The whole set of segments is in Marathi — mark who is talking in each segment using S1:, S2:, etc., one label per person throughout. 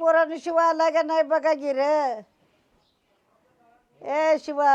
S1: पोरानं शिवा आला का नाही बघा गिर. ए शिवा,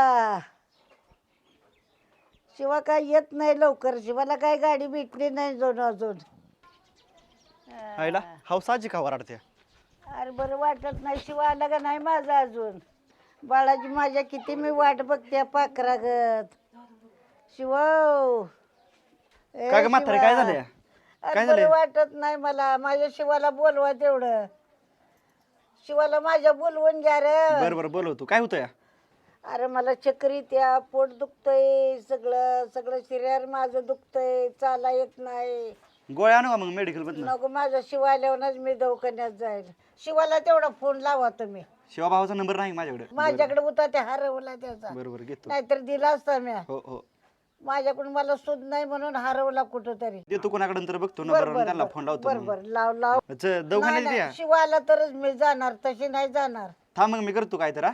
S1: शिवा काय येत नाही लवकर. शिवाला काय गाडी भेटली नाही अजून.
S2: आईला हौसाची का वराडते.
S1: अरे बरं वाटत नाही. शिवा आला का नाही माझा अजून. बाळाची माझ्या किती मी वाट बघते पाखरागत. शिवा
S2: काय ग म्हातारे, काय झालं? काय
S1: बरं
S2: झालं?
S1: वाटत नाही मला. माझ्या शिवाला बोलवा तेवढं. शिवाला माझ्या बोलवून घ्या रे.
S2: बरं बरं बोलवतो. काय होतं या?
S1: अरे मला चक्कर येत्या, पोट दुखतंय, सगळं सगळं शरीर माझं दुखतंय, चाला येत नाही.
S2: गोळ्या आणू का मग मेडिकल मधनं?
S1: नको, माझा शिवा आल्यावरच मी दवाखान्यात जाईल. शिवाला तेवढा फोन लावा तुम्ही.
S2: शिवा भावाचा नंबर नाही माझ्याकडे.
S1: माझ्याकडे होता ते हरवला त्याचा.
S2: बरोबर घेतो.
S1: नाहीतर दिला असता मी.
S2: हो हो
S1: माझ्याकडून मला सुद नाही म्हणून हरवला कुठं तरी.
S2: देतो कोणाकडे तर बघतो नंबर, त्यांना फोन लावतो.
S1: बरोबर लाव लाव.
S2: दवाखान्यात
S1: नाही,
S2: द्या.
S1: शिवा आला तरच मी जाणार, तशी नाही जाणार.
S2: थांब मग मी करतो काय तर.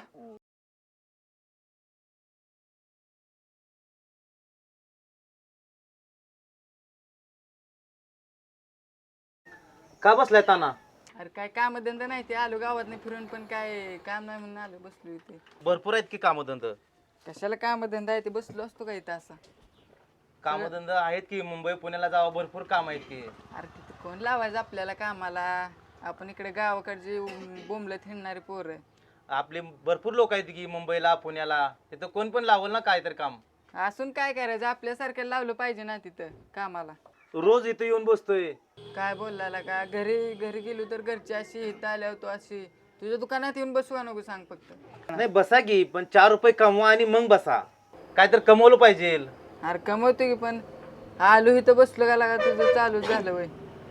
S3: का बसलाय ताना?
S4: अरे काय काम धंदा नाही ते आलो गावात नाही फिरून पण काय काम नाही म्हणून आलो बसलो इथे.
S3: भरपूर आहेत की कामधंद.
S4: कशाला काम धंदा आहे ते बसलो असतो का इथं असा.
S3: कामधंद आहेत की मुंबई पुण्याला जावं भरपूर काम आहेत की.
S4: अरे तिथे कोण लावायचं आपल्याला कामाला. आपण इकडे गावाकडचे बोंबलत हिंडणारे पोर.
S3: आपले भरपूर लोक आहेत की मुंबईला पुण्याला. तिथं कोण पण लावल ना काय तर काम.
S4: असून काय करायचं आपल्यासारख्याला लावलं पाहिजे ना तिथं कामाला.
S3: रोज इथं येऊन बसतोय.
S4: काय बोलला का घरी घरी गेलो तर घरची अशी इथं आल्यावर तू अशी. तुझ्या दुकानात येऊन बसवा नको सांग फक्त.
S3: नाही बसा की, पण 4 रुपये कमवा आणि मग बसा. काय तर कमवलं पाहिजे.
S4: अरे कमवतो की पण आलो इथं बसलो का लागा तुझं चालूच झालं वय.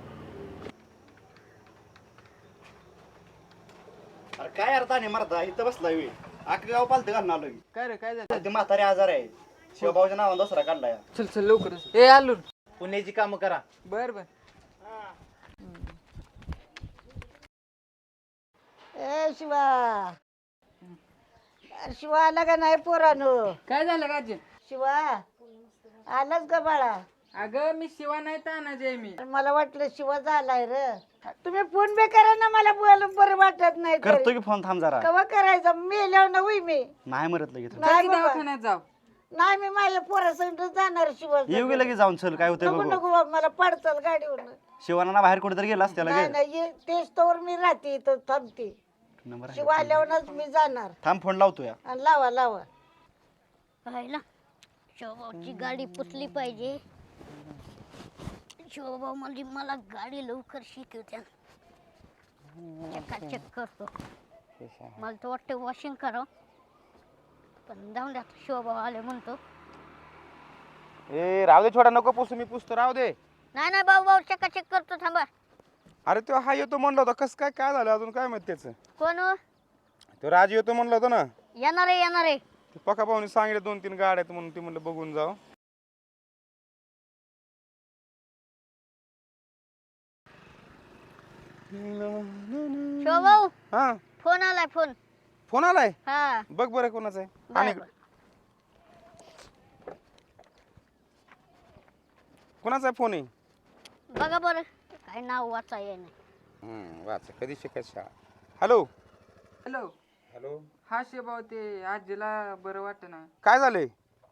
S2: अरे काय अर्थ नाही मरता इथं बसलाय वेळ. अख्खं गाव पालतं घालून आलोय.
S4: काय रे काय झालं?
S2: ते म्हातारे आजार आहे. शिवभाऊच्या नावानं दसरा काढलाय.
S4: चल चल लवकरच. ए आलो.
S3: पुण्याची कामं करा.
S4: बर बर.
S1: ए शिवा, अरे शिवा आला का नाही पोरानो?
S4: काय झालं का अजय?
S1: शिवा आलाच का बाळा?
S4: अगं मी शिवा नाही तानाजी मी.
S1: मला वाटलं शिवा झालाय रे. तुम्ही फोन बे करा ना, मला बोल बरं वाटत नाही.
S2: करतो की फोन. थांब जरा.
S1: कवा करायचा? मेल्यावर ना होई मी.
S2: नाही मरत लगेच.
S1: नाही बाबा.
S4: दवाखान्यात जाऊ.
S1: नाही, मी माझ्या पोरासंग जाणार. शिवा
S2: येऊ गेलं की जाऊन चल. काय होतंय
S1: नको
S2: बघू.
S1: नको बाबा, मला पडचाल गाडीवर.
S2: शिवाना ना बाहेर कुठेतरी गेला असत्या
S1: नाही
S2: लगेच.
S1: नाही, तेच तोवर मी राहते इथं थांबते.
S2: नंबर आहे.
S1: शिवा आल्यावरच मी जाणार.
S2: थांब फोन लावतो या.
S1: आणि लावा लावा.
S5: पाहिला शिवभाऊची गाडी पुसली पाहिजे. शिवभाऊ म्हणजे मला गाडी लवकर शिकवत्या. चकाचक करतो. मला तर वाटतं वॉशिंग करावं, पण जाऊन द्या. शिवभाऊ आले म्हणतो.
S6: ए राहू दे, छोटा नको पुसू, मी पुसतो, राहू दे.
S5: नाही नाही भाऊ भाऊ चकाचक करतो, थांबा.
S6: अरे तो हा येतो म्हणला होता. कसं काय काय झालं अजून काय माहित त्याचं?
S5: कोण हो?
S6: तो राज येतो म्हणला होता ना.
S5: येणार आहे येणार आहे.
S6: ते पका भाऊनी सांगितलं 2-3 गाड्या आहेत म्हणून, ती म्हणलं बघून जाऊ.
S5: शिवभाऊ
S6: हा
S5: फोन आलाय. फोन
S6: फोन आलाय.
S5: हा
S6: बघ बरं कोणाचा आहे.
S5: बरं,
S6: आणि
S5: बरं.
S6: कोणाचा फोन आहे?
S5: बघा बरं काय नाव वाचा ये नाही.
S6: वाच कधी शिकायचं शाळा. Hello
S4: hello.
S6: हॅलो.
S4: हा शिवभाऊ ते आजीला बरं वाटत ना.
S6: काय झालंय?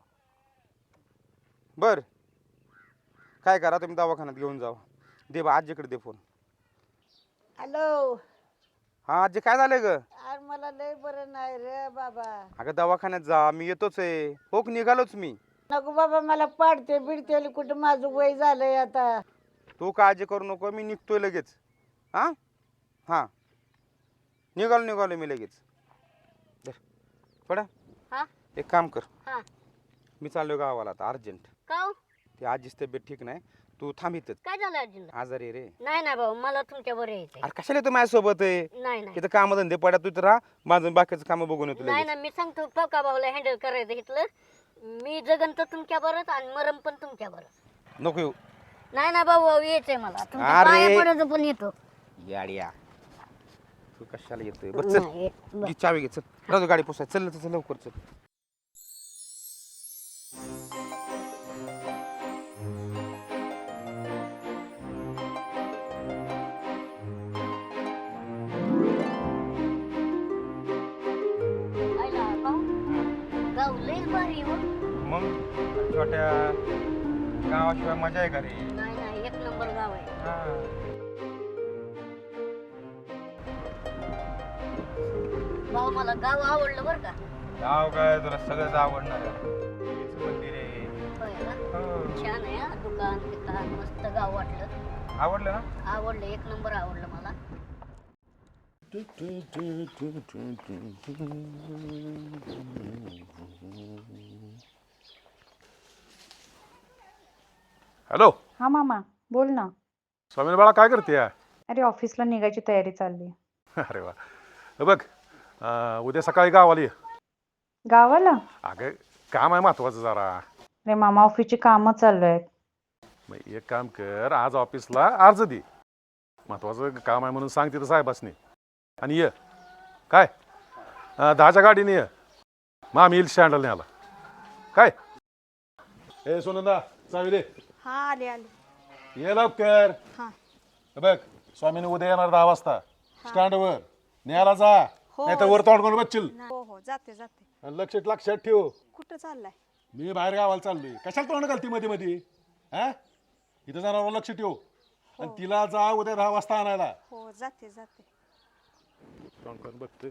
S6: बर काय करा, तुम्ही दवाखान्यात घेऊन जावा. दे बा आजीकडे दे फोन.
S1: हॅलो.
S6: हा आजी काय झालंय ग?
S1: अरे मला लय बरं नाही रे बाबा.
S6: अगं दवाखान्यात जा, मी येतोच आहे. हो निघालोच मी.
S1: नको बाबा, मला पाडते बिडते. कुठं माझं वय झालंय आता.
S6: तू काळजी करू नको, मी निघतोय लगेच. हा हा निघालो मी लगेच. पडा
S5: हा
S6: एक काम कर,
S5: हा
S6: मी चाललो गावाला आता अर्जंट.
S5: का हो?
S6: ती आजीच तब्येत ठीक नाही. तू थांब इथंच.
S5: काय झालं आजीला?
S6: आजारी आहे रे.
S5: नाही नाही भाऊ, मला तुमच्या बरोबर यायचंय.
S6: अरे कशाला येतो माझ्यासोबत आहे?
S5: नाही नाही
S6: इथं काम धंदे पडा, तू इथं राहा. माझं बाकीचं काम बघून येतो
S5: नाही
S6: लगेच.
S5: ना, मी सांगतो पका भाऊला हँडल करायचं इथलं. मी जगन तर तुमच्या बरंच आणि मरम पण तुमच्या बरं.
S6: नको येऊ.
S5: नाही ना भाऊ भाऊ यायचंय मला. तुमच्या
S6: अरे.
S5: पाया पडायचं पण येतो.
S6: याडिया तू कशाला येतोय? बस चल,
S5: नाही, बरं.
S6: घे चावी घे. चल राहू गाडी पुसाय. चल चल लवकर चल.
S5: भारी हो.
S6: मग छोट्या गावाशिवाय मजा आहे का रे?
S5: नाही नाही, एक नंबर गाव आहे.
S6: हा.
S5: भाऊ मला गाव आवडलं बरं का.
S6: गाव काय तुला सगळंच आवडणार आहे. देवीचं मंदिर आहे.
S5: होय ना.
S6: हो.
S5: छान आहे हा, दुकान बिकान मस्त गाव वाटलं.
S6: आवडलं ना?
S5: आवडलं, एक नंबर आवडलं मला.
S7: हॅलो
S8: हा मामा बोल ना.
S7: स्वामी बाळा काय करते?
S8: अरे ऑफिसला निघायची तयारी चालली.
S7: अरे वा. हे बघ उद्या सकाळी गावाला ये.
S8: गावाला?
S7: अगं काम आहे महत्वाचं जरा.
S8: अरे मामा ऑफिसची कामं चालू आहेत.
S7: मग एक काम कर, आज ऑफिसला अर्ज दे. महत्वाचं काम आहे म्हणून सांग तिथं साहेबासनी. आणि ये काय 10च्या गाडीने ये. मग आम्ही येईल स्टँडला न्यायला. काय ए सोनंदा चावी दे.
S9: हा आले आले.
S7: ये लवकर.
S9: हा.
S7: हे बघ स्वामीने उद्या येणार 10 वाजता स्टँडवर. न्यायला जा.
S9: हो.
S7: नाही तर वर तोंड करून बसशील.
S9: हो हो जाते जाते.
S7: आणि लक्षात ठेव.
S9: कुठं चाललाय?
S7: मी बाहेर गावाला चाललोय. कशाला तोंड घालती मध्ये मध्ये? हा इथं जाणार लक्ष ठेव. आणि तिला जा उद्या 10 वाजता आणायला.
S9: हो जाते जाते.
S7: तोंड करून बघते.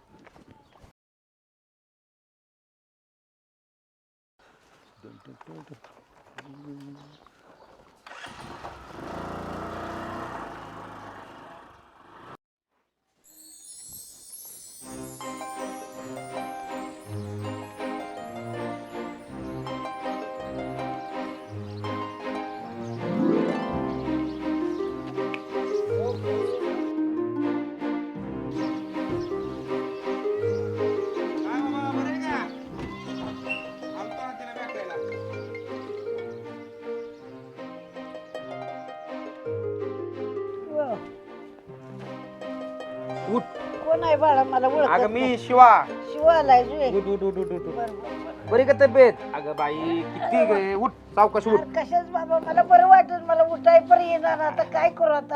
S6: उठ.
S1: कोण आहे बाळा? मला
S6: अगं
S1: ओळख
S6: मी शिवा.
S1: शिवालाय जुए.
S6: उठ उठ उठ उठ उठ.
S1: बरं, बरं, बरं.
S6: बरी का तब्येत? अगं बाई किती गे. उठ सावकाश उठ.
S1: अरे कशाच बाबा, मला बरं वाटत, मला उठाय पण येणार. आता काय करू आता?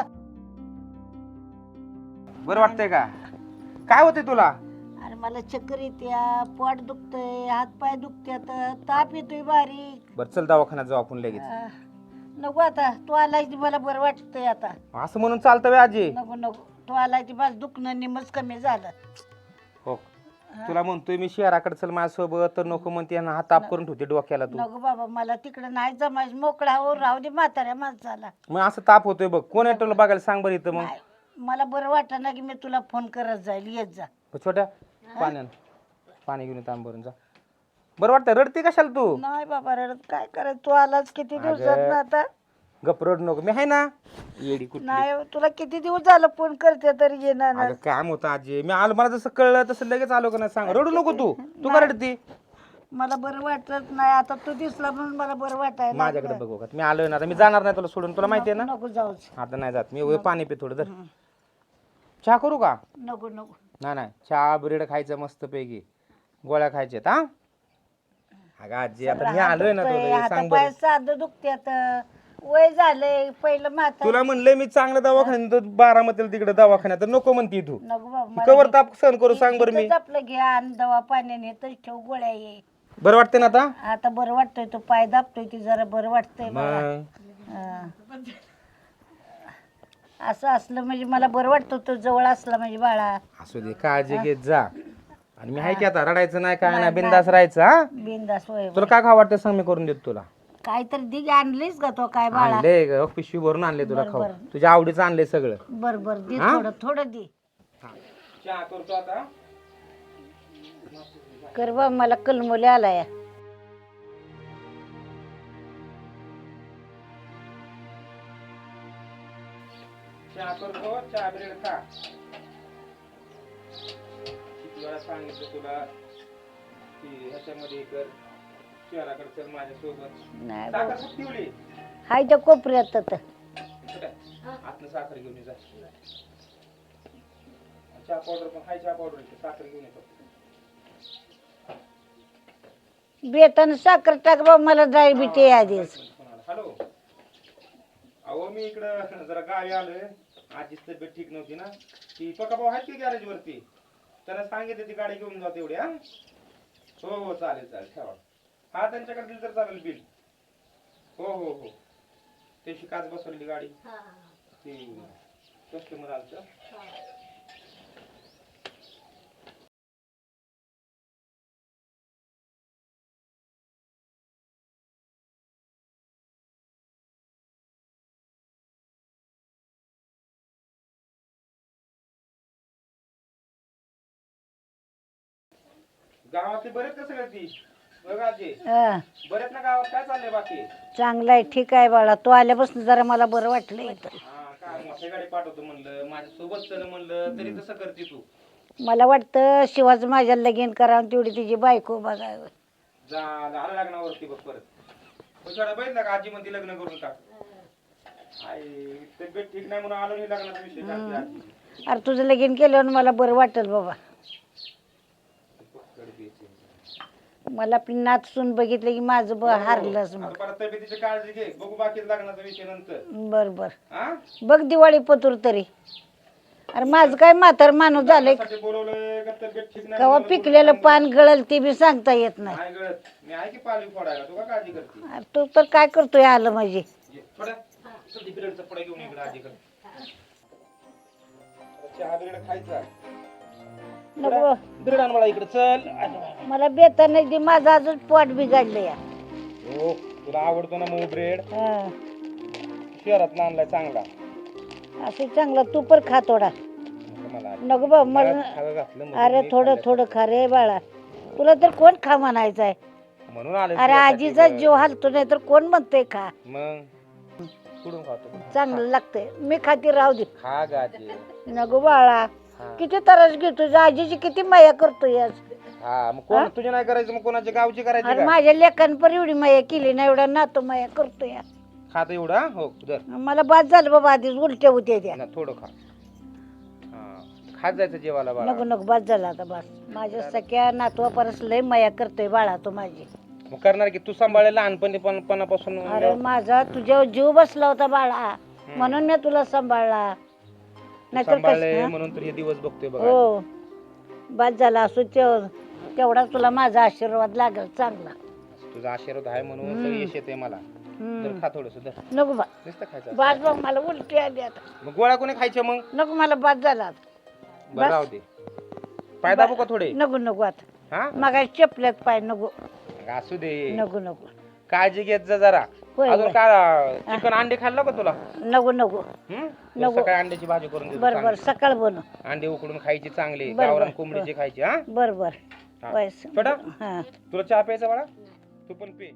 S6: बरं वाटतंय का? काय होतंय तुला?
S1: अरे मला चक्कर येत्या, पोट दुखतंय, हात पाय दुखत्यात, ताप येतोय बारीक.
S6: बरं चल दवाखान्यात जाऊ आपण लगेच.
S1: नको आता, तू आलाय ती मला बरं वाटतंय आता.
S6: असं म्हणून चालतं व्हय आजी?
S1: नको नको, तू आलाय ती माझं दुखणं निमच कमी झालं.
S6: हो. तुला म्हणतोय मी शहराकडे चल माझ्यासोबत, तर नको म्हणते ना, हात ताप करून ठेवते डोक्याला तू.
S1: नको बाबा, मला तिकडे नाही जमायच. मोकळा हो, राहू दे म्हाताऱ्या माणसाला.
S6: मग असं ताप होतोय बघ. कोण आहे तुला बघायला सांग बरं इथं. मग
S1: नाही, मला बरं वाटत ना की मी तुला फोन करत जाईल. येत जा.
S6: छोट्या पाणी घेऊन येतो भरून जा. बरं वाटतं? रडते कशाला तू?
S1: नाही बाबा रडत, काय करायचं? तू आलाच किती दिवसात ना आता.
S6: गप रड नको. मी आहे ना. येडी कुठली.
S1: नाही, तुला किती दिवस झालं फोन करते तरी येणार ना.
S6: अगं काम होतं आजी. मी आलो, मला जसं कळलं तसं लगेच आलो का नाही सांग. रडू नको तू. तू का रडती?
S1: मला बरं वाटत नाही आता. तू दिसला म्हणून मला बरं वाटायला
S6: माझ्याकडे बघू का? मी आलोय ना आता. मी जाणार नाही तुला सोडून. तुला माहिती आहे ना.
S1: नको जाऊच.
S6: आता नाही जात मी. उद्या पाणी पी थोडं. तर चहा करू का?
S1: नको नको.
S6: नाही नाही, चहा ब्रेड खायचं मस्त पैकी. गोळ्या खायच्यात. हा अगं आजी आता मी आलोय ना तुला. सांग
S1: पाय
S6: बरं.
S1: साधं दुखत्यात, वय झालंय. पहिलं म्हातार.
S6: तुला म्हणलंय मी चांगलं दवाखान्यात बारामतीला तिकडे दवाखान्यात, तर नको म्हणती तू.
S1: नको बाबा,
S6: कवर ताप सहन करू सांग बरं मी.
S1: इथंच आपलं घ्या आणि दवा पाण्याने तर ठेव, गोळ्या ये.
S6: बरं वाटतंय ना आता?
S1: आता बरं वाटतंय. तो पाय दाबतोय ती जरा बरं वाटतंय मला.
S6: मग
S1: हा. असं असलं म्हणजे मला बरं वाटतं. तो जवळ असला म्हणजे बाळा.
S6: असू दे, काळजी घेत जा. आणि मी आहे की आता, रडायचं नाही काय नाही, बिंदास राहायचं. हा
S1: बिंदास होय.
S6: तुला काय खाऊ वाटतं सांग, मी करून देतो तुला.
S1: काहीतरी दिग आणलीस का तो काय बाळा?
S6: आणले ग, पिशवी भरून आणले तुला खाऊ. तुझ्या आवडीचं आणले सगळं.
S1: बर बर दे,
S6: हा?
S1: थोडं थोडं दे.
S6: चहा करतो आता.
S1: कर बा, मला कलमोले आलाय.
S6: चहा करतो, चहा ब्रेड खा. किती वेळा सांगितलं तुला की ह्याच्यामध्ये कर, शहराकडे चल माझ्यासोबत.
S1: नाही
S6: साखर
S1: बाबा.
S6: खूप ठेवली.
S1: हाय त्या कोपऱ्यात तर.
S6: आतनं साखर घेऊन ये जा. चहा पावडर पण हाय, चहा पावडर साखर घेऊन येतो.
S1: बेतान साखर टाक बा, मला डायबिटी आधीच.
S6: हॅलो. अहो मी इकडं जरा गावी आलोय. आजीच तब्येत ठीक नव्हती ना. ती पका भाऊ आहेत की गॅरेज वरती, त्याला सांगितलं ती गाडी घेऊन जाते एवढी. हा हो हो चालेल चालेल, ठेवा. हा त्यांच्याकडे दिलं तर चालेल बिल. हो हो हो त्याशी काच बसवलेली गाडी ती कस्टमर आलतं. गावातली बरेच का सगळे ती बघ आजी
S1: हा,
S6: बरेच ना गावात काय चाललंय बाकी?
S1: चांगलं आहे, ठीक आहे बाळा. तू आल्यापासून जरा मला बरं वाटलं इथं.
S6: हा काय मोठी गाडी पाठवतो म्हणलं माझ्या सोबत चल म्हणलं तरी तसं करते तू.
S1: मला वाटतं शिवाचं माझ्या लगीन करावं तेवढी तिची बायको बघावं.
S6: झालं लग्नावरती बघ परत थोडा बघितला का आजी म्हणते लग्न करून टाक. आई तब्येत ठीक नाही म्हणून आलो नाही लग्नाचा विषय काढते आजी.
S1: अरे तुझं लगीन केल्यावर मला बरं वाटेल बाबा. मला आपली नात सून बघितलं की माझं हारलंच
S6: आता
S1: मग.
S6: परत तब्येतीची काळजी घे बघू बाकी लग्नाचा विषय नंतर.
S1: बर बर
S6: हा
S1: बघ दिवाळी पतूर तरी. अरे माझं काय म्हातार माणूस झालंय,
S6: लग्नासाठी बोलवलंय का तब्येत ठीक नाही
S1: कवा
S6: म्हणून
S1: पिकलेलं पान गळल ते बी सांगता येत नाही.
S6: नाही गळत. मी आहे की पालवी फोडायला तू का काळजी करते?
S1: अरे तू तर काय करतोय आलं माझे.
S6: ये, थोड्या सध्या बिरडचा पुढे घेऊन इकडे आजी कर. चहा बिरड खायचा
S1: नको
S6: बिरड आण मला इकडे चल.
S1: मला बेता नाही दे, माझं अजून पोट बिघडलं या.
S6: हो तुला आवडतो ना मऊ ब्रेड
S1: हा,
S6: शहरात आणलाय चांगला.
S1: असं चांगलं तू पण खा थोडा.
S6: नको मला
S1: नको बा मला.
S6: खायला घातलं म्हणून
S1: अरे
S6: मी
S1: थोडं
S6: खाल्लं.
S1: थोडं खा रे बाळा. तुला तर कोण खा म्हणायचं आहे.
S6: म्हणून आले
S1: अरे आजीचा जीव हालतो नाही तर कोण म्हणतोय खा.
S6: मग कुठून खातो?
S1: चांगलं लागतंय. मी खाती राहू दे.
S6: खा गाजी.
S1: नको बाळा.
S6: हा.
S1: किती त्रास घेतोय आजीची, किती माया करतोय आज.
S6: हा मग कोण तुझी नाही करायचं मग कोणाच्या गावची करायची
S1: अरे
S6: का?
S1: माझ्या लेखांपर एवढी माया केली ना, एवढा नातो माया करतोय आज.
S6: खात एवढा हो दर
S1: मला बाद झालं बाबा, आधीच उलट्या होत्या त्या.
S6: ना थोडं खा. हा खात जायचं जेवायला बाळा.
S1: नको नको बाद झाला आता बस. माझ्या सख्या नातवा परस लय माया करतोय बाळा तो माझी.
S6: मग करणार की तू सांभाळले लहानपणापासून.
S1: अरे माझा तुझ्यावर जीव बसला होता बाळा, म्हणून मी तुला सांभाळला. नाहीतर
S6: सांभाळले
S1: कसं
S6: म्हणून तर हे दिवस बघतोय बघा.
S1: हो बाद झाला असो तेवढा तुला माझा आशीर्वाद लागेल चांगला.
S6: तुझा आशीर्वाद आहे म्हणून तर यश येते मला. तर खा थोडस दर
S1: नको बा
S6: नुसतं खायचं.
S1: बाद बघ मला उलटी आली आता.
S6: मग गोळ्या कोणी खायच्या मग?
S1: नको मला बाद झाला आता.
S6: बरं राहू दे. पाय दाबू का थोडे?
S1: नको नको आता.
S6: हा
S1: मग चपल्यात पाय नको.
S6: असू दे.
S1: नको नको
S6: काळजी घेत जा जरा.
S1: होय,
S6: अजून
S1: होय.
S6: काय चिकन अंडे खाल्लं का तुला?
S1: नको नको.
S6: तुला सकाळी अंड्याची भाजी करून देतो
S1: बर बर
S6: चांगली.
S1: सकाळ बनव.
S6: अंडे उकडून खायची चांगली.
S1: बरं,
S6: गावरान
S1: बरं.
S6: कोंबडीची खायची. हा
S1: बर बर
S6: हा.
S1: बस.
S6: छोटा?
S1: हा
S6: तुला चहा प्यायचा बाळा? तू पण पे.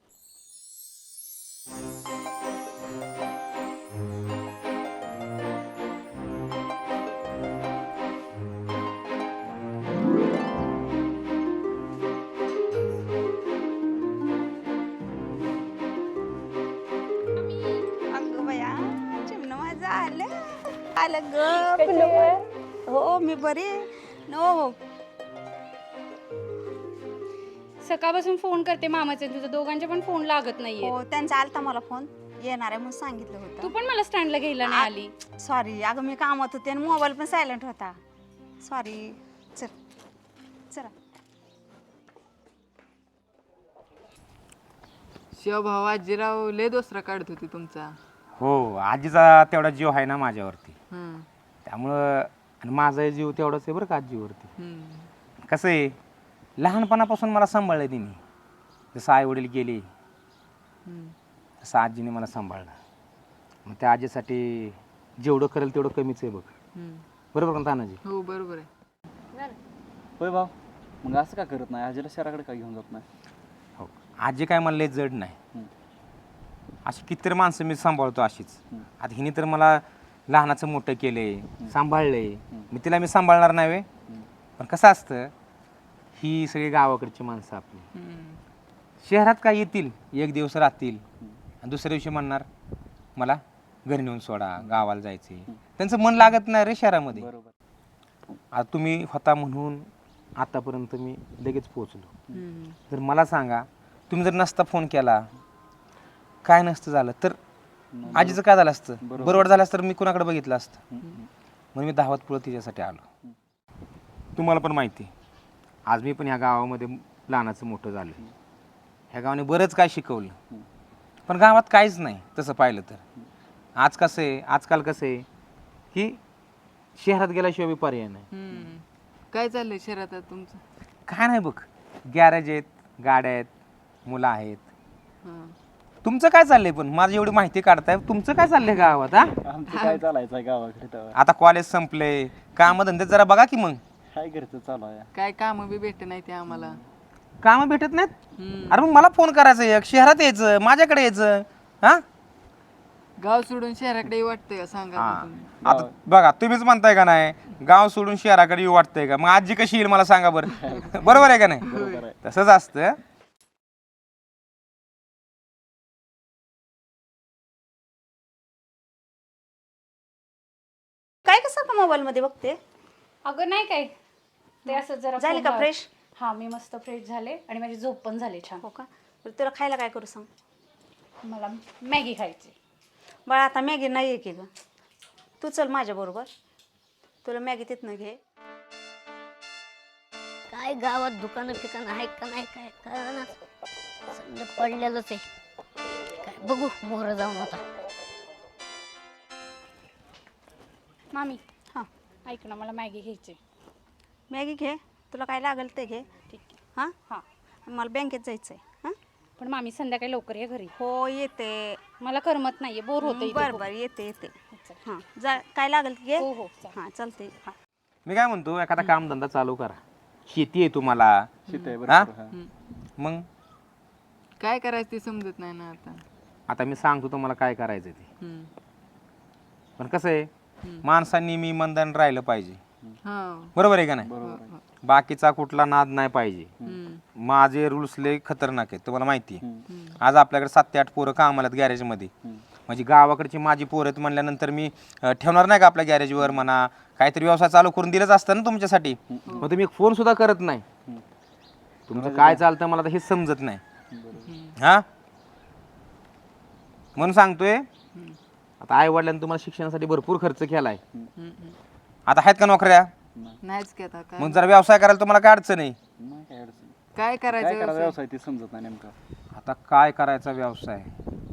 S9: अगं बया चिमणं माझं आलं आलं ग. हो मी बरी आहे. हो
S10: सकाळपासून फोन करते मामाचे, तुझं दोघांचे पण फोन लागत नाहीये.
S9: हो त्यांचा आलता मला फोन येणार आहे म्हणून सांगितलं
S10: तू
S9: होतं.
S10: पण मला स्टँडला घ्यायला नाही आली.
S9: सॉरी अगं मी कामात होते आणि मोबाईल पण सायलेंट होता. सॉरी. चल चला.
S4: शिवभाऊ आजीराव लय दोसरा काढत होती तुमचा.
S6: हो आजीचा तेवढा जीव आहे ना माझ्यावरती.
S4: हम्म,
S6: त्यामुळं आणि माझा जीव तेवढाच आहे बरं का आजीवरती.
S4: हम्म,
S6: कसं आहे लहानपणापासून मला सांभाळलं तिने. जसं आई वडील गेले
S4: हम्म.
S6: तसं आजीने मला सांभाळलं. मग त्या आजीसाठी जेवढं करेल तेवढं कमीच आहे बघ.
S4: हम्म.
S6: बरोबर का तानाजी?
S4: हो बरोबर आहे.
S2: होय भाऊ मग असं का करत नाही? आजीला शहराकडे का घेऊन जात नाही?
S6: हो आजी काय मला लय जड नाही. अशी कितीतरी माणसं मी सांभाळतो अशीच. आता हिने तर मला लहानाचं मोठं केलंय, सांभाळलंय. मी तिला मी सांभाळणार नाही वे. पण कसं असतं ही सगळी गावाकडची माणसं आपली.
S4: हम्म.
S6: शहरात काय येतील एक दिवस राहतील आणि दुसऱ्या दिवशी म्हणणार मला घरी नेऊन सोडा, गावाला जायचे. त्यांचं मन लागत नाही रे शहरामध्ये.
S2: बरोबर.
S6: आता तुम्ही होता म्हणून आतापर्यंत मी लगेच पोहोचलो.
S4: हम्म.
S6: तर मला सांगा तुम्ही जर नसता फोन केला काय नसतं झालं तर आजीचं काय झालं असतं? बरोबर झालं असतं तर मी कुणाकडे बघितलं असतं. म्हणून मी धावत पुढं तिच्यासाठी आलो. तुम्हाला पण माहिती आज मी पण ह्या गावामध्ये लहानाचं मोठं झालं. ह्या गावाने बरंच काय शिकवलं, पण गावात काहीच नाही तसं पाहिलं तर. आजकाल कसं आहे की शहरात गेल्याशिवाय बी पर्याय नाही.
S4: काय चाललंय शहरात आता तुमचं?
S6: काय नाही बघ, गॅरेज आहेत, गाड्या आहेत, मुलं आहेत.
S4: हां.
S6: तुमचं काय चाललंय? पण माझी एवढी माहिती काढताय, तुमचं काय चाललंय गावात? हा,
S2: आमचं काय चालायचं आहे गावाकडे तेव्हा
S6: आता कॉलेज संपले, काम धंदे जरा बघा की मग.
S2: काय घरचं चालू आहे.
S4: काय काम बी भेटत नाही ते आम्हाला.
S6: काम भेटत नाहीत? अरे मग मला फोन करायचं, एक शहरात यायचं, माझ्याकडे यायचं. हा,
S4: गाव सोडून शहराकडे वाटतंय का सांगा
S6: हा.
S4: आता तुम्ही.
S6: आता बघा, तुम्हीच म्हणताय का नाही गाव सोडून शहराकडे येऊ वाटतंय का? मग आजी कशी येईल मला सांगा बरं. बरोबर आहे का नाही?
S2: बरोबर आहे.
S6: तसंच असतं.
S9: काय कसं का मोबाईल मध्ये बघते?
S10: अगं नाही काय, ते असं जरा
S9: झाली का
S10: phone
S9: फ्रेश?
S10: हा, मी मस्त फ्रेश झाले आणि माझी झोप पण झाली छान.
S9: हो का? बरं, तुला खायला काय करू सांग?
S10: मला मॅगी खायची.
S9: बाळा आता मॅगी नाही आहे की ग, तू चल माझ्या बरोबर, तुला मॅगी तिथनं घे.
S5: काय गावात दुकानं फिकानं आहेत का नाही काय कळना, सगळं पडलेलंच आहे. काय बघू मोहर जाऊन आता.
S10: मामी
S9: हां
S10: ऐक ना, मला मॅगी घ्यायची.
S9: मॅगी घे, तुला काय लागेल ते घे.
S10: ठीक आहे.
S9: हां
S10: हां,
S9: मला बँकेत जायचं आहे. हां
S10: पण मामी संध्याकाळी लवकर ये घरी.
S9: हो येते.
S10: मला करमत नाहीये, बोर होते.
S9: बरं बरं येते. हां जा, काय लागेल ते घे.
S10: हो हो चालेल.
S9: हां चालते. हां
S6: मी काय म्हणतो, एखादा कामधंदा चालू करा. शेती आहे तुम्हाला,
S2: शेती आहे
S6: हा?
S2: बरोबर. हा.
S6: मग
S4: काय करायचं ते समजत नाही ना आता.
S6: आता मी सांगतो तुम्हाला काय करायचं ते.
S4: हम्म.
S6: पण कसं आहे, माणसांनी मी मंदान राहिलं पाहिजे.
S4: हां.
S6: बरोबर आहे का नाही?
S2: बरोबर आहे.
S6: बाकीचा कुठला नाद नाही पाहिजे.
S4: हम्म.
S6: माझे रूल्स लय खतरनाक आहेत, तुम्हाला माहिती आहे.
S2: हम्म.
S6: आज आपल्याकडे 7 ते 8 पोरं कामाला आहेत गॅरेजमध्ये. म्हणजे गावाकडची माझी पोरं आहेत म्हणल्यानंतर मी ठेवणार नाही का आपल्या गॅरेजवर म्हणा, काहीतरी व्यवसाय चालू करून दिलंच असतं ना तुमच्यासाठी. मग तुम्ही एक फोन सुद्धा करत नाही. तुमचं काय चालतं मला तर हेच समजत नाही. हा, म्हणून सांगतोय, आता आई वडिलांनी तुम्हाला शिक्षणासाठी भरपूर खर्च केलाय. आता आहेत का नोकऱ्या?
S4: नाहीच की आता काय.
S6: मग जरा व्यवसाय करायला तुम्हाला काय अडचण आहे?
S2: नाही काय अडचण.
S4: काय
S2: काय
S4: करायचं
S2: करायचं
S4: व्यवसाय?
S2: व्यवसाय ते समजत नाही नेमका.
S6: आता काय करायचा व्यवसाय?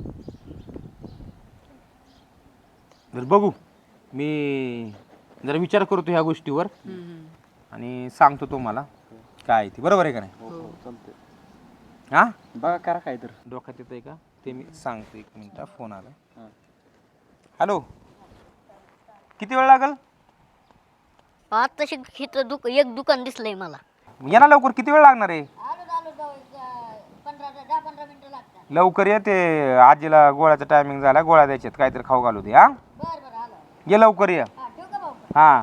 S6: तर बघू, मी जरा विचार करतो ह्या गोष्टीवर आणि सांगतो तुम्हाला काय आहे ते. बरोबर आहे का नाही?
S2: हो हो चालते.
S6: हा,
S2: बघा करा काय तर.
S6: डोक्यात येतंय का ते मी सांगतो. 1 मिनिट, फोन आला.
S2: हां.
S6: हॅलो, किती वेळ लागेल?
S5: आता इथं एक दुकान दिसलंय मला.
S6: ये ना लवकर, किती वेळ लागणार आहे?
S5: 10-15 मिनिटं लागतात.
S6: लवकर ये, ते आजीला गोळ्याचा टायमिंग झाला, गोळ्या द्यायच्यात, काहीतरी खाऊ घालू दे. हा,
S5: बरं आलो.
S6: ये लवकर ये.
S5: हा ठेवू का भाऊ?
S6: हा,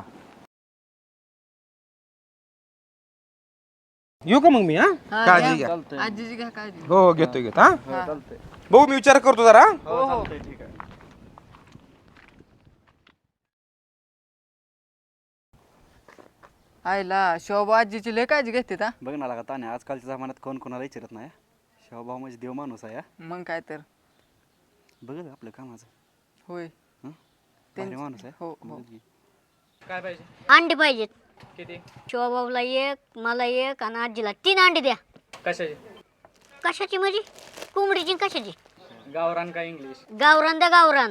S6: येऊ का मग मी? हा,
S4: हां,
S6: काळजी
S4: घ्या.
S6: घ्या.
S4: आजीची घ्या काळजी.
S6: हो हो, घेतो. हा
S2: हो चालते.
S6: भाऊ, मी विचार करतो जरा.
S2: हो चालते. ठीक आहे.
S4: आईला शोभा आजीची लय काळजी घेते ता.
S2: बघ ना लागा ताने, आजकालच्या जमान्यात कोण कोणाला विचारत नाही. शिवभाऊ म्हणजे देव माणूस आहे. हा.
S4: मग काय तर.
S2: बघ ना आपलं कामाचं.
S4: होय.
S2: हं? भारी माणूस आहे.
S4: हो हो.
S3: काय पाहिजे?
S5: अंडी पाहिजेत.
S3: किती?
S5: शिवाबाऊला एक, मला एक आणि आजीला 3 अंडी द्या.
S3: कशाचे?
S5: कशाची म्हणजे? कोंबडीची आणि कशाची?
S3: गावरान का इंग्लिश?
S5: गावरान द्या, गावरान.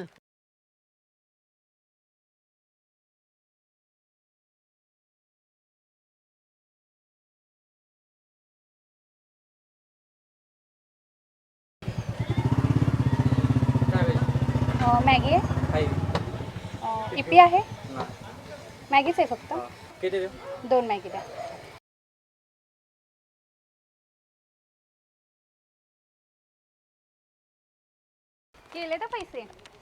S3: काय पाहिजे?
S10: मॅगी आहे,
S3: आहे.
S10: इपी आहे. मॅगीच आहे फक्त.
S3: किती देऊ?
S10: 2 मॅगी द्या. केले तर पैसे.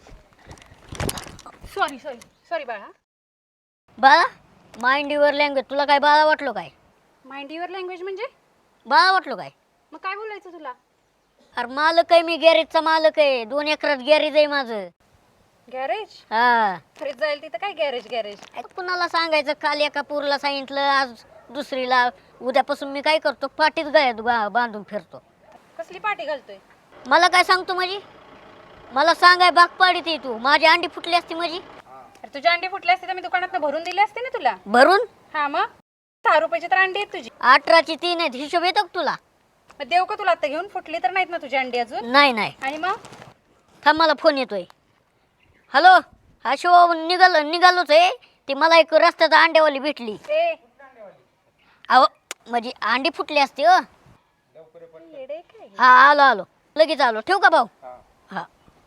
S10: सॉरी बाळा.
S5: बाळा, माइंड युअर लँग्वेज. तुला काय बाळा वाटलो काय?
S10: माइंड युअर लँग्वेज म्हणजे?
S5: बाळा वाटलो काय?
S10: मग काय बोलायचं तुला?
S5: अरे मालक आहे मी, गॅरेजचा मालक आहे. 2 एकरात गॅरेज आहे माझं.
S10: गॅरेज?
S5: हा,
S10: फ्रीज जाईल तिथं काय गॅरेज गॅरेज?
S5: आता कुणाला सांगायचं? काल एका पूरला सांगितलं, आज दुसरीला. उद्यापासून मी काय करतो, पाठीत गळ्यात बांधून फिरतो.
S10: कसली पाठी घालतोय?
S5: मला काय सांगतो म्हणजे? मला सांगाय भाग पाडीत आहे तू. माझी अंडी फुटली असती म्हणजे?
S10: अरे तुझी अंडी फुटली असते तर मी दुकानात भरून दिली असते ना तुला.
S5: भरून?
S10: हा मग 6 रुपयाची तर अंडी आहेत तुझी.
S5: 18ची 3 आहेत. हिशोब येतो का तुला?
S10: मग देऊ का तुला आता घेऊन? फुटली तर नाहीत ना तुझी अंडी अजून?
S5: नाही नाही
S10: आणि मग
S5: थांब मला फोन येतोय. हॅलो हा शिव निघालोच आहे. ती मला एक रस्त्यात अंड्यावाली भेटली.
S10: ए
S5: अहो म्हणजे अंडी फुटली असते हो.
S10: येडे काय?
S5: हा आलो लगेच आलो. ठेवू का भाऊ? हा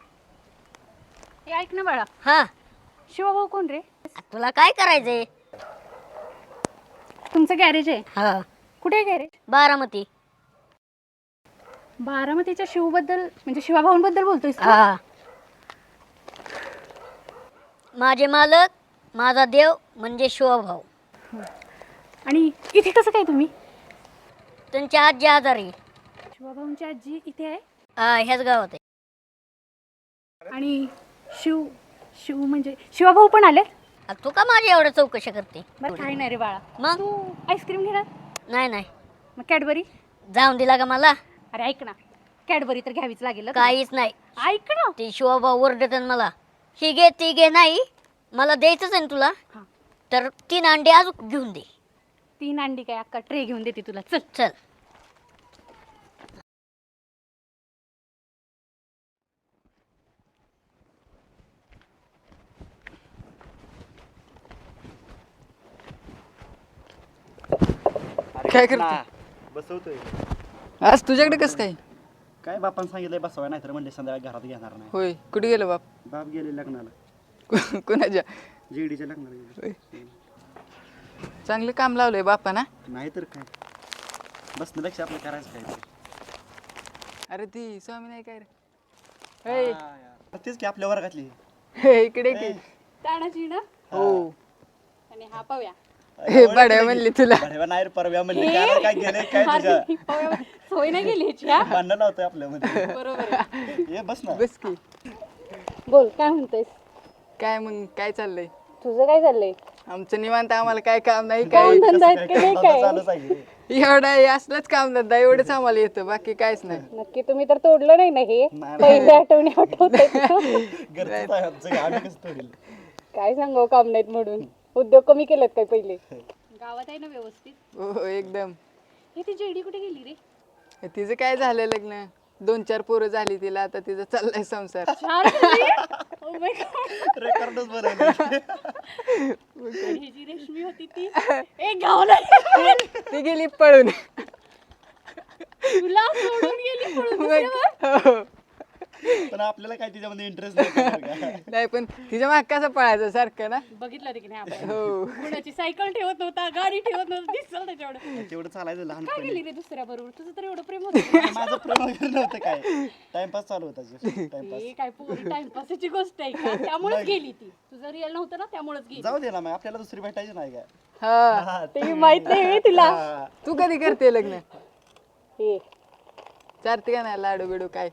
S10: हे ऐक ना बाळा,
S5: हा
S10: शिवभाऊ कोण रे?
S5: तुला काय करायचंय?
S10: तुमचं गॅरेज आहे?
S5: हा
S10: कुठे आहे गॅरेज?
S5: बारामती.
S10: बारामतीच्या शिवबद्दल म्हणजे शिवाभाऊंबद्दल बोलतोयस तू?
S5: हा माझे मालक माझा देव म्हणजे शिवभाऊ.
S10: आणि इथे कसं काय तुम्ही?
S5: त्यांची आजी आजारी.
S10: शिवाभाऊंची आजी इथे आहे?
S5: हा ह्याच गावात आहे.
S10: आणि शिव शिव म्हणजे शिवाभाऊ पण आले?
S5: आ, तू का माझी एवढं चौकशी करते?
S10: बरं काय नाही रे बाळा.
S5: मग
S10: तू आईस्क्रीम घेणार?
S5: नाही नाही
S10: मग कॅडबरी?
S5: जाऊन दिला का मला?
S10: अरे ऐक ना, कॅडबरी तर घ्यावीच लागेल ना तुला.
S5: काहीच नाही.
S10: ऐक ना.
S5: ते शिवभाऊ ओरडत मला, ही घे ती घे. नाही मला द्यायचंच आहे ना तुला.
S10: हा.
S5: तर 3 अंडे अजून घेऊन दे.
S10: 3 अंडी काय अक्का ट्रे घेऊन देते तुला. चल
S5: चल
S4: काय करते?
S2: बसवतोय.
S4: आज तुझ्याकडे कसं काय?
S2: काय बापानं सांगितलंय बसवाय, नाही तर म्हणले संध्याकाळी घरात घेणार नाही.
S4: होय, कुठे गेलं बाप?
S2: बाप गेले लग्नाला,
S4: कुणाच्या?
S2: जेडीच्या लग्नाला गेले.
S4: चांगलं काम लावलंय बापा ना.
S2: नाही तर काय, बसण्यापेक्षा आपलं करायचं काय.
S4: अरे ती स्वामी नाही काय रे? हे,
S2: तेच की आपल्या वर्गातली.
S4: हे, इकडे की.
S10: तानाजी ना.
S4: हो.
S10: आणि हा पव्या.
S4: हे बड्या म्हणली तुला.
S2: बढेवा नाही रे, परव्या म्हणले काय गेले काय तुझ्या
S10: ही पव्या सोय नाही गेली ह्याची, हा?
S2: भांडण लावतोय आपल्यामध्ये.
S10: बरोबर आहे.
S2: ये बस ना.
S4: बस की.
S10: बोल काय म्हणतोयस?
S4: काय मग काय चाललंय?
S10: तुझं काय चाललंय?
S4: आमचं निवांत, आम्हाला काय काम नाही काय.
S10: काम धंदा आहेत की नाही काय?
S2: चालूच आहे.
S4: एवढा असलंच काम धंदा एवढंच आम्हाला येतं, बाकी काहीच नाही.
S10: नक्की तुम्ही तर तोडलं नाही ना हे? पहिली आठवणी आठवते.
S2: घरचंच आहे आमचं, आम्ही कसं तोडील.
S10: काय सांगावं काम नाहीत म्हणून. उद्योग कमी केलेत काय पहिले? गावात आहे ना व्यवस्थित?
S4: हो एकदम.
S10: हे ती जेडी कुठे गेली रे?
S4: तिचं काय झालं लग्न, 2-4 पोरं झाली तिला, आता तिचा चाललाय संसार.
S10: Oh my God.
S2: रेकॉर्डच बनवलं.
S10: ही जी रेशमी होती ती एक गावाला
S4: ती गेली पळून.
S10: तुला सोडून गेली पळून दुसऱ्यावर?
S4: हो.
S2: पण आपल्याला काय तिच्यामध्ये इंटरेस्ट नाही.
S4: नाही पण तिच्या माग कसं पळायचं सारखं ना.
S10: बघितलं ते की नाही आपण?
S4: हो.
S10: कुणाची सायकल ठेवत नव्हता, गाडी ठेवत नव्हता, दिसलं त्याच्यावर.
S2: तेवढं चालायचं
S10: काय
S2: लहानपणी.
S10: गेली रे दुसऱ्या बरोबर? तुझं तर एवढं प्रेम होतं.
S2: माझं प्रेम वगैरे नव्हतं काय, टाइमपास चालू होता. टाइमपास.
S10: हे काय पोरी टाइमपासची गोष्ट आहे का? त्यामुळेच गेली ती. तुझं रिअल नव्हतं ना, त्यामुळेच गेली.
S2: जाऊ दे ना, मग आपल्याला दुसरी भेटायची नाही काय.
S4: हा.
S10: ते माहित नाही हे तिला.
S4: तू कधी करते लग्न?
S10: हे
S4: चारते का नाही लाडू बिडू काय?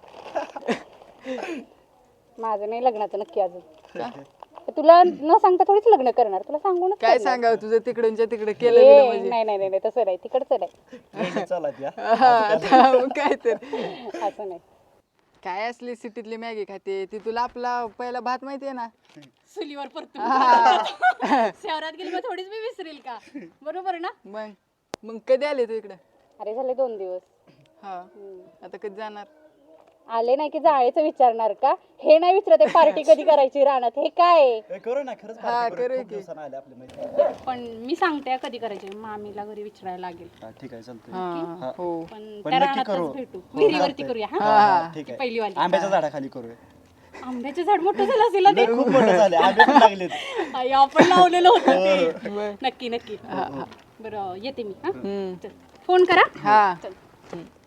S10: माझं नाही लग्नाचं नक्की अजून. तुला न सांगता थोडीच लग्न करणार, तुला सांगूनच
S4: काय
S10: करणार.
S4: सांगावं तुझं तिकडूनच्या तिकडे केलं
S10: ए,
S4: गेलं म्हणजे.
S10: नाही नाही नाही तसं नाही, तिकडचं नाही.
S2: चालत या.
S4: हा, आता मग काय तर.
S10: असं नाही.
S4: काय असली सिटीतली मॅगी खाते ती, तुला आपला पहिला भात माहितीये ना.
S10: चुलीवर परतून शहरात गेली मग थोडीच मी विसरेल का? बरोबर ना?
S4: मग कधी आले तू इकडं?
S10: अरे झाले 2 दिवस.
S4: हा. आता कधी जाणार?
S10: आले नाही की जायचं विचारणार का? हे नाही विचारते पार्टी कधी करायची रानात. हे काय?
S2: करू ना खरंच.
S4: हा,
S2: party
S4: करू
S2: खूप
S4: की.
S2: दिवसानं आले आपल्या मैत्रिणी.
S10: पण मी सांगते कधी करायची. मामीला घरी विचारायला लागेल.
S2: हा, ठीक आहे चालतंय.
S4: हा. हो.
S10: पण
S2: पण
S10: त्या
S2: नक्की
S10: रानातच
S2: करू.
S10: भेटू.
S2: हो,
S10: विहिरीवरती
S2: चालतंय.
S10: करूया. हा
S2: हा, ठीक आहे.
S10: पहिली वाली.
S2: आंब्याच्या झाडाखाली करूया.
S10: आंब्याचं झाड मोठं झालं असेल ना ते.
S2: खूप मोठे झाले, आंबे पण लागलेत.
S10: आई, आपण लावलेलं होतं ते. नक्की नक्की. बरं येते मी. हा चल. फोन करा.
S4: हा.
S10: चल.